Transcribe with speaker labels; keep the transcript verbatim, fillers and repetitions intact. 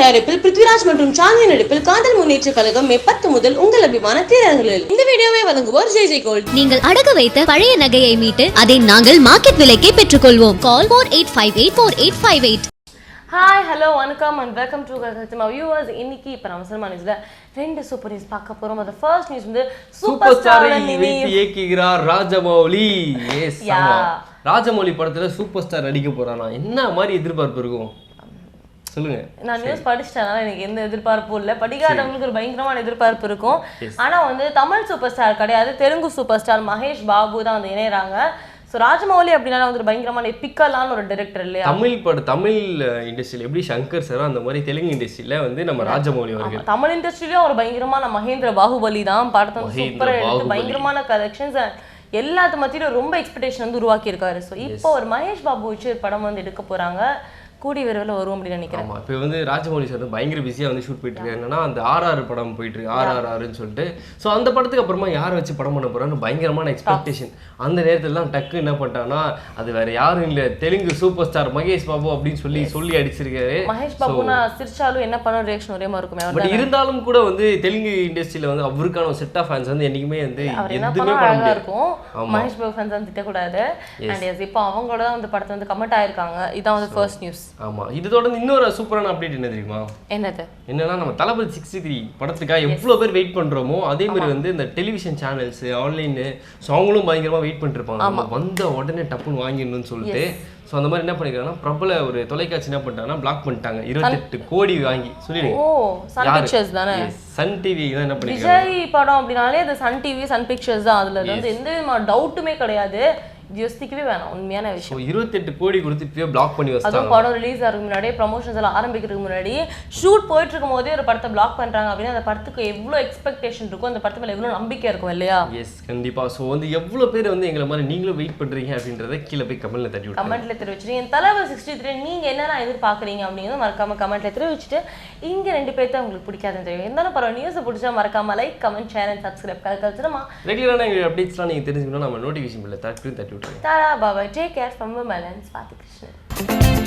Speaker 1: தயாரிப்பில் பிருத்விராஜ் மற்றும் சாந்தி நடிப்பில் காதல் முன்னேற்ற கழகம் மே பத்து முதல் உங்கள் அபிமான திரையரங்குகளில். இந்த வீடியோவை வழங்குவோர் ஜே ஜே கோல்ட்.
Speaker 2: நீங்கள் அடகு வைத்த பழைய நகையை மீட்டு அதை நாங்கள் மார்க்கெட் விலைக்கே பெற்றுக்கொள்வோம். Call four eight five eight four eight five eight.
Speaker 3: Hi hello வணக்கம் அண்ட் வெல்கம் டு கல்கத்தமா வியூவர்ஸ். இன்னைக்கு இப்போ நம்ம சினிமா நியூஸ்ல ரெண்டு சூப்பர் நியூஸ் பார்க்க போறோம். அது ஃபர்ஸ்ட் நியூஸ் வந்து
Speaker 4: சூப்பர் ஸ்டார் இயக்குகிறார் ராஜமௌலி. எஸ் ஆமா, ராஜமௌலி படத்துல சூப்பர் ஸ்டார் நடிக்க போறானா, என்ன மாதிரி எதிர்பார்ப்பு இருக்கும் சொல்லுங்க.
Speaker 3: நான் நியூஸ் படிச்சிட்டனால எனக்கு எந்த எதிர்பார்ப்பும் இல்லை. படிக்காதவங்களுக்கு ஒரு பயங்கரமான எதிர்பார்ப்பு இருக்கும். ஆனா வந்து தமிழ் சூப்பர் ஸ்டார் கிடையாது, தெலுங்கு சூப்பர் ஸ்டார் மகேஷ் பாபு தான் வந்து இணையறாங்க. ஸோ ராஜமௌலி அப்படின்னா வந்து பயங்கரமான எப்பிக்கலான ஒரு டைரக்டர் இல்லையா?
Speaker 4: தமிழ் பட தமிழ் இண்டஸ்ட்ரியில் எப்படி சங்கர் சார் அந்த மாதிரி தெலுங்கு இண்டஸ்ட்ரியில வந்து நம்ம ராஜமௌலி அவர்கள்.
Speaker 3: தமிழ் இண்டஸ்ட்ரியிலும் ஒரு பயங்கரமான மகேந்திர பாகுபலி தான். படத்தை வந்து சூப்பரா எடுத்து பயங்கரமான கலெக்ஷன்ஸ் எல்லாத்து மத்தியிலும் ரொம்ப எக்ஸ்பெக்டேஷன் வந்து உருவாக்கி இருக்காரு. ஸோ இப்போ ஒரு மகேஷ் பாபு வச்சு ஒரு படம் வந்து எடுக்க போறாங்க. கூடி விரைவில் வரும் அப்படின்னு நினைக்கிறேன்.
Speaker 4: ஆமாம், இப்போ வந்து ராஜமௌலி சார் வந்து பயங்கர பிஸியாக வந்து ஷூட் போயிட்டு இருக்காங்க. என்னன்னா அந்த ஆர்ஆர் படம் போயிட்டு இருக்கு, ஆர்ஆர்ஆர்னு சொல்லிட்டு. ஸோ அந்த படத்துக்கு அப்புறமா யாரை வச்சு படம் பண்ண போறான்னு பயங்கரமான எக்ஸ்பெக்டேஷன். அந்த நேரத்தில் தான் டக்கு என்ன பண்ணிட்டாங்கன்னா, அது வேற யாரும் இல்லை, தெலுங்கு சூப்பர் ஸ்டார் மகேஷ் பாபு அப்படின்னு சொல்லி சொல்லி அடிச்சிருக்காரு.
Speaker 3: மகேஷ் பாபுனா சிரிச்சாலும் என்ன பண்ண ரியாக்ஷன் ஒரே மாதிரி இருக்குமே.
Speaker 4: பட் இருந்தாலும் கூட வந்து தெலுங்கு இண்டஸ்ட்ரியில வந்து அவருக்கான ஒரு செட் ஆஃப் ஃபேன்ஸ் வந்து என்னைக்குமே வந்து எதுவுமே பண்ண முடியாது இருக்கும்.
Speaker 3: மகேஷ் பாபு ஃபேன்ஸ் வந்து திட்டக்கூடாது. அண்ட் எஸ் இப்போ அவங்களோட தான் வந்து படத்தை வந்து கமெண்ட் ஆயிருக்காங்க. இதான் வந்து ஃபர்ஸ்ட் நியூஸ்.
Speaker 4: ஆமா, இது தொடர்ந்து இன்னொரு சூப்பரான அப்டேட் என்ன தெரியுமா?
Speaker 3: என்னது?
Speaker 4: என்னன்னா நம்ம தளபதி சிக்ஸ்டி த்ரீ படத்துக்காக எவ்வளவு பேர் வெயிட் பண்றோமோ அதே மாதிரி வந்து இந்த டெலிவிஷன் சேனல்ஸ் ஆன்லைன் அவங்களும் பயங்கரமா வெயிட் பண்ணிட்டு இருப்பாங்க, வந்த உடனே டப்புன்னு வாங்கிடணும்னு சொல்லிட்டு. ஸோ அந்த மாதிரி என்ன பண்ணிருக்காங்கன்னா, பிரபல ஒரு தொலைக்காட்சி என்ன பண்ணிட்டாங்கன்னா பிளாக் பண்ணிட்டாங்க. இருபத்தெட்டு கோடி வாங்கி சொல்லிடுங்க.
Speaker 3: ஓ, சன் பிக்சர்ஸ் தானே?
Speaker 4: சன் டிவி தான் என்ன பண்ணிருக்காங்க.
Speaker 3: விஜய் படம் அப்படினாலே அது சன் டிவி சன் பிக்சர்ஸ் தான். அதுல வந்து எந்த விதமான டவுட்டுமே கிடையாது. யோசிக்கவே வேணாம், உண்மையான விஷயம்.
Speaker 4: இருபத்தெட்டு கோடி கொடுத்து இப்பயே பிளாக் பண்ணி வச்சாங்க.
Speaker 3: அதுவும் படம் ரிலீஸ் ஆகிறதுக்கு முன்னாடி, ப்ரமோஷன்ஸ் எல்லாம் ஆரம்பிக்கிறதுக்கு முன்னாடி, ஷூட் போயிட்டு இருக்கும் போதே ஒரு படத்தை பிளாக் பண்றாங்க அப்படின்னா அந்த படத்துக்கு எவ்வளோ எக்ஸ்பெக்டேஷன் இருக்கும், அந்த படத்து மேல எவ்வளோ நம்பிக்கை இருக்கும் இல்லையா?
Speaker 4: எஸ், கண்டிப்பா. ஸோ வந்து எவ்வளோ பேர் வந்து எங்களை மாதிரி நீங்களும் வெயிட் பண்றீங்க அப்படின்றத கீழே போய் கமெண்ட்ல தட்டி விட்டு
Speaker 3: கமெண்ட்ல தெரிவிச்சுட்டு என் தளபதி சிக்ஸ்டி த்ரீ நீங்க என்னென்ன எதிர்பார்க்குறீங்க அப்படிங்கிறது மறக்காம கமெண்ட்ல தெரிவிச்சுட்டு, இங்க ரெண்டு பேர்த்த உங்களுக்கு பிடிக்காதுன்னு தெரியும். இருந்தாலும் பரவாயில்ல, நியூஸ் பிடிச்சா மறக்காம like comment share and subscribe கல்கல்ச்சுமா.
Speaker 4: ரெகுலரான எங்க அப்டேட்ஸ்லாம் நீங்க தெரிஞ்சுக்கணும், நம்ம நோட்டிஃபிகேஷன் பில்ல தட்டி தட்டி விட்டுருங்க.
Speaker 3: Bye. Take care from Vimal and Swati Krishnan.